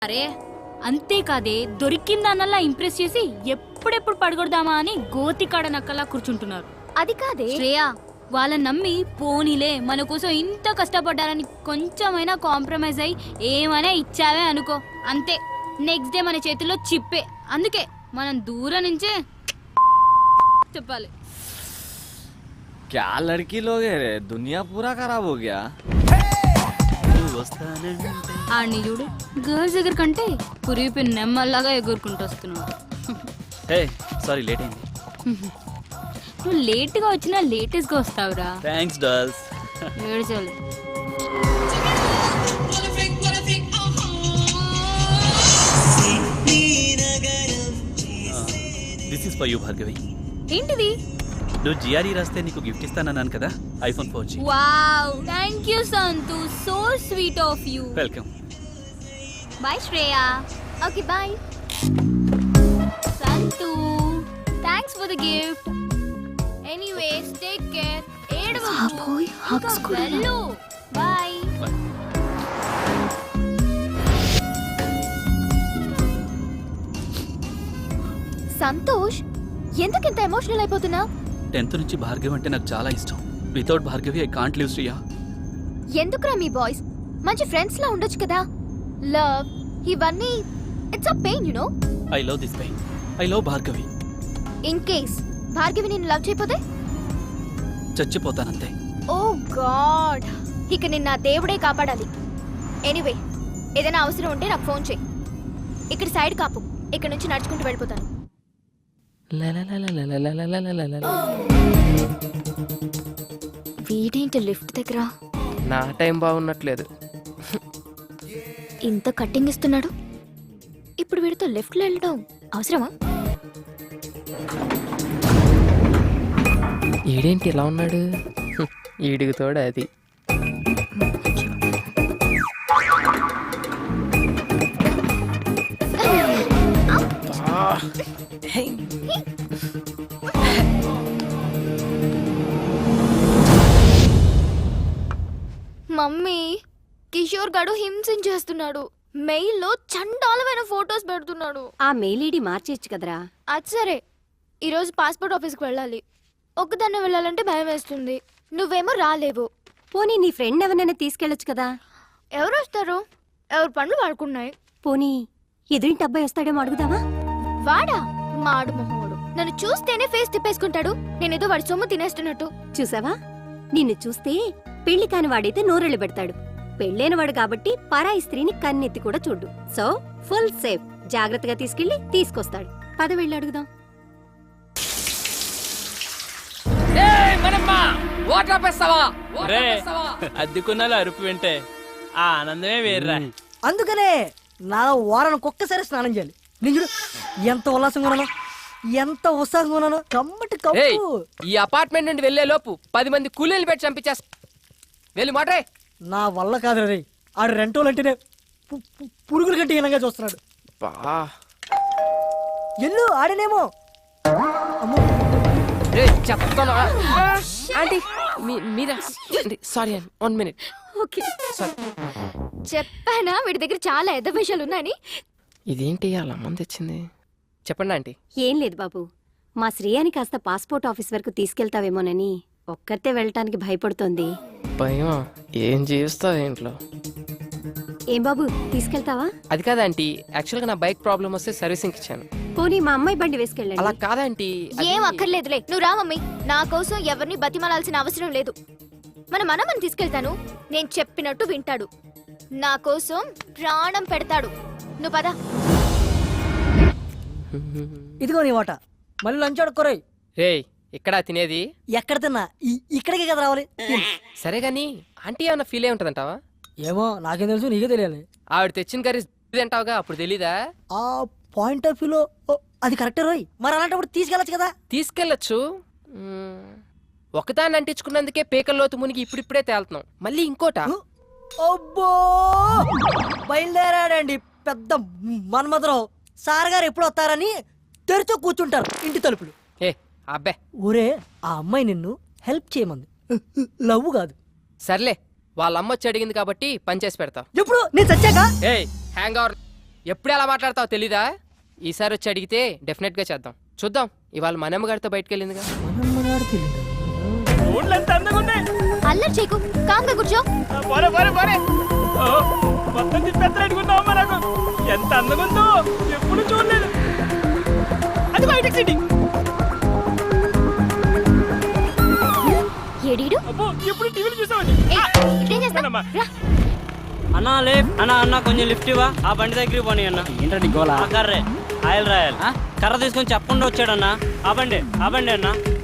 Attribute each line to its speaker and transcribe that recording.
Speaker 1: అరే అంతేకాదే దొరికిందన్నలా ఇంప్రెస్ చేసి ఎప్పుడెప్పుడు పడగొడదామా అని గోతికాడ నక్కలా కూర్చుంటున్నారు.
Speaker 2: అది కాదే
Speaker 1: శ్రేయ, వాళ్ళని నమ్మి పోనీలే మన కోసం ఇంత కష్టపడ్డారని కొంచెమైనా కాంప్రమైజ్ అయ్యి ఏమైనా ఇచ్చావే అనుకో, అంతే నెక్స్ట్ డే మన చేతిలో చిప్పే. అందుకే మనం దూరం నుంచే చెప్పాలి.
Speaker 3: क्या लड़की लोग है रे, दुनिया पूरा खराब हो गया.
Speaker 1: ఆడిని చూడు, గర్ల్స్ దగ్గర కంటే కురిపి నెమ్మల్లాగా ఎగురుకుంటూ వస్తున్నాడు.
Speaker 4: హే సారీ లేట్ అయింది.
Speaker 1: నువ్వు లేట్ గా వచ్చినా లేటెస్ట్ గా వస్తావురా.
Speaker 4: Thanks dolls.
Speaker 1: ఏడ్చాలి.
Speaker 4: This is for you Bhargavi.
Speaker 1: ఏంటిది?
Speaker 4: నువ్వు జిఆర్ఈ రాస్తే నీకు గిఫ్ట్ ఇస్తానన్నాను కదా, iPhone 4G.
Speaker 1: Wow, thank you Santhu, so sweet of you.
Speaker 4: Welcome.
Speaker 1: Bye Shreya.
Speaker 2: Okay bye
Speaker 1: Santhu, thanks for the gift. Anyways take care. ఏడవకు. వెళ్ళు. బై.
Speaker 2: సంతోష్, ఎందుకింత ఎమోషనల్ అయిపోతున్నావు?
Speaker 4: 10th నుంచి భార్గవి అంటే నాకు చాలా ఇష్టం. Without Bhargavi I can't live Shriya.
Speaker 2: ఎందుకురా మీ బాయ్స్ మంచి ఫ్రెండ్స్ లా ఉండొచ్చు కదా. లవ్ ఇవన్నీ it's a pain you know.
Speaker 4: I love this pain. I love Bhargavi.
Speaker 2: In case Bhargavi నిన్ను లవ్ చేయకపోతే
Speaker 4: చచ్చిపోతానంతే.
Speaker 2: ఓ గాడ్, ఇక నిన్న దేవుడే కాపాడాలి. ఎనీవే, ఏదైనా అవసరం ఉంటే నాకు ఫోన్ చేయి. ఇక్కడ సైడ్ కాపు, ఇక్కడ నుంచి నడుచుకుంటూ వెళ్ళిపోతాను. వీడేంటి లిఫ్ట్ దగ్గర?
Speaker 5: నా టైం బాగున్నట్లేదు.
Speaker 2: ఇంత కట్టింగ్ ఇస్తున్నాడు, ఇప్పుడు వీడితో లెఫ్ట్లో వెళ్ళడం అవసరమా?
Speaker 5: ఈడేంటి ఇలా ఉన్నాడు? ఈడికి తోడు అది.
Speaker 2: మమ్మీ, కిషోర్ గడు హింసించేస్తున్నాడు. మెయిల్లో చండాలమైన ఫొటోస్ పెడుతున్నాడు.
Speaker 6: ఆ మెయిల్ ఐడి మార్చేయచ్చు కదరా.
Speaker 2: అది సరే, ఈరోజు పాస్పోర్ట్ ఆఫీస్కి వెళ్ళాలి. ఒక్కదాన్నే వెళ్ళాలంటే భయం వేస్తుంది. నువ్వేమో రాలేవు.
Speaker 6: పోనీ నీ ఫ్రెండ్ ఎవరైనా తీసుకెళ్ళొచ్చు కదా.
Speaker 2: ఎవరు వస్తారు? ఎవరి పనులు వాడుకున్నాయి.
Speaker 6: పోనీ ఎదురింటి అబ్బాయి వస్తాడేమో అడుగుదావా?
Speaker 2: వాడా? మాడు మొహోడు. నన్ను చూస్తేనే ఫేస్ తిప్పేసుకుంటాడు. నేనేదో వాడి సొమ్ము తినేస్తున్నట్టు.
Speaker 6: చూసావా, నిన్ను చూస్తే పెళ్లి కాని వాడైతే నోరెళ్ళు పెడతాడు. పెళ్ళైన వాడు కాబట్టి పరాయి స్త్రీని కన్నెత్తి కూడా చూడు. So full safe. జాగ్రత్తగా తీసుకెళ్లి తీసుకొస్తాడు. పద వెళ్ళి అడుగుదాం.
Speaker 5: అద్దెకున్నాలో అరుపు వింటే ఆ ఆనందమే వేర్రా.
Speaker 7: అందుకనే నా వారానికి ఒక్కసారి స్నానం చేయాలి. నిజుడు ఎంత ఉల్లాసంగా ఉన్నాను, ఎంత ఉత్సాహంగా ఉన్నాను. కమ్మటి కప్పు.
Speaker 5: ఈ అపార్ట్మెంట్ నుండి వెళ్లే లోపు 10 మంది కూలీలు పెట్టి చంపించేస్తా. వెళ్ళి మాట్రే.
Speaker 7: నా వల్ల కాదు రే, ఆడు రెంటోలు అంటేనే పురుగుల కంటే హీనంగా చూస్తున్నాడు. ఎల్లు ఆడనేమో.
Speaker 5: చెప్తాను ఆంటీ, మీరా? సారీ అండి, 1 minute.
Speaker 2: ఓకే, చెప్పానా వీడి దగ్గర చాలా ఎద్ద విషయాలు ఉన్నాయని.
Speaker 5: ఇదేంటి అలా మంది తెచ్చింది? చెప్పండి ఆంటీ.
Speaker 6: ఏం లేదు బాబు, మా శ్రేయాని కాస్త పాస్పోర్ట్ ఆఫీస్ వరకు తీసుకెళ్తావేమోనని ఒక్కరితే వెళ్ళటానికి భయపడుతోంది.
Speaker 5: భయమా? ఏం చేస్తావు ఇంట్లో?
Speaker 6: ఏం బాబు, తీసుకెళ్తావా?
Speaker 5: అది కాదా ఆంటీ, యాక్చువల్గా నా బైక్ ప్రాబ్లం వస్తే సర్వీసింగ్ ఇచ్చాను.
Speaker 6: పోనీ మా అమ్మాయి బండి వేసుకెళ్ళండి.
Speaker 5: అలా కాదంటీ.
Speaker 2: ఏం అక్కర్లేదులే, నువ్వు రా మమ్మీ. నా కోసం ఎవరిని బతిమాలాల్సిన అవసరం లేదు. మన మనమని తీసుకెళ్తాను. నేను చెప్పినట్టు వింటాడు. నా కోసం ప్రాణం పెడతాడు. నువ్వు పద.
Speaker 7: ఇదిగో నీ వాట. మళ్ళీ లంచ్ అడుక్కోరాయి.
Speaker 5: రే, ఇక్కడ తినేది?
Speaker 7: ఎక్కడ తిన్నా ఇక్కడికే కదా రావాలి.
Speaker 5: సరే గాని ఆంటీ ఏమన్నా ఫీల్ అయి ఉంటదంటావా?
Speaker 7: ఏమో, నాకేం తెలుసు, నీకే తెలియాలి.
Speaker 5: ఆవిడ తెచ్చిన కర్రీ తింటావుగా, అప్పుడు తెలీదా?
Speaker 7: ఆ పాయింట్ ఆఫ్ వ్యూలో అది కరెక్టే రోయ్. మరి అలాంటప్పుడు తీసుకెళ్ళచ్చు కదా.
Speaker 5: తీసుకెళ్ళచ్చు. ఒకదాన్ని అంటించుకున్నందుకే పేకల్లోతు మునిగి ఇప్పుడిప్పుడే తేలుతున్నాం. మళ్ళీ ఇంకోట.
Speaker 7: అబ్బో, బయలుదేరాడండి పెద్ద మన్మధరావు. సార్ గారు ఎప్పుడు వస్తారని తెరిచో కూర్చుంటారు ఇంటి తలుపులు.
Speaker 5: ఏ అబ్బే,
Speaker 7: ఊరే ఆ అమ్మాయి నిన్ను హెల్ప్ చేయమంది, లవ్ కాదు.
Speaker 5: సర్లే, వాళ్ళ అమ్మ వచ్చి అడిగింది కాబట్టి పని చేసి పెడతా.
Speaker 7: ఎప్పుడు నేను చచ్చాక?
Speaker 5: ఏ హ్యాంగ్ అవర్. ఎప్పుడు ఎలా మాట్లాడతావు తెలీదా? ఈసారి వచ్చి అడిగితే డెఫినెట్ గా చేద్దాం. చూద్దాం, ఇవాళ మనమ్మ గారితో బయటకు వెళ్ళిందిగా.
Speaker 2: అల్లరి చేయకు, కామ్గా కూర్చో.
Speaker 8: ఎంత అందంగా ఉందో ఎప్పుడు చూడలేదు. అది బయటకు సిటీ.
Speaker 2: ఏడీడు
Speaker 8: అబ్బో ఎప్పుడు టీవీలో చూసామని.
Speaker 2: ఇదేం చేస్తావ్? రా.
Speaker 9: అన్నా లే అన్నా కొంచెం లిఫ్ట్ ఇవ్వా. ఆ బండి దగ్గరికి పోనీ అన్న.
Speaker 8: ఏంటండి గోలా?
Speaker 9: కర్రే ఆయిల్ రాయాలి. కర్ర తీసుకొని చెప్పకుండా వచ్చాడన్నా. ఆ బండి అన్నా.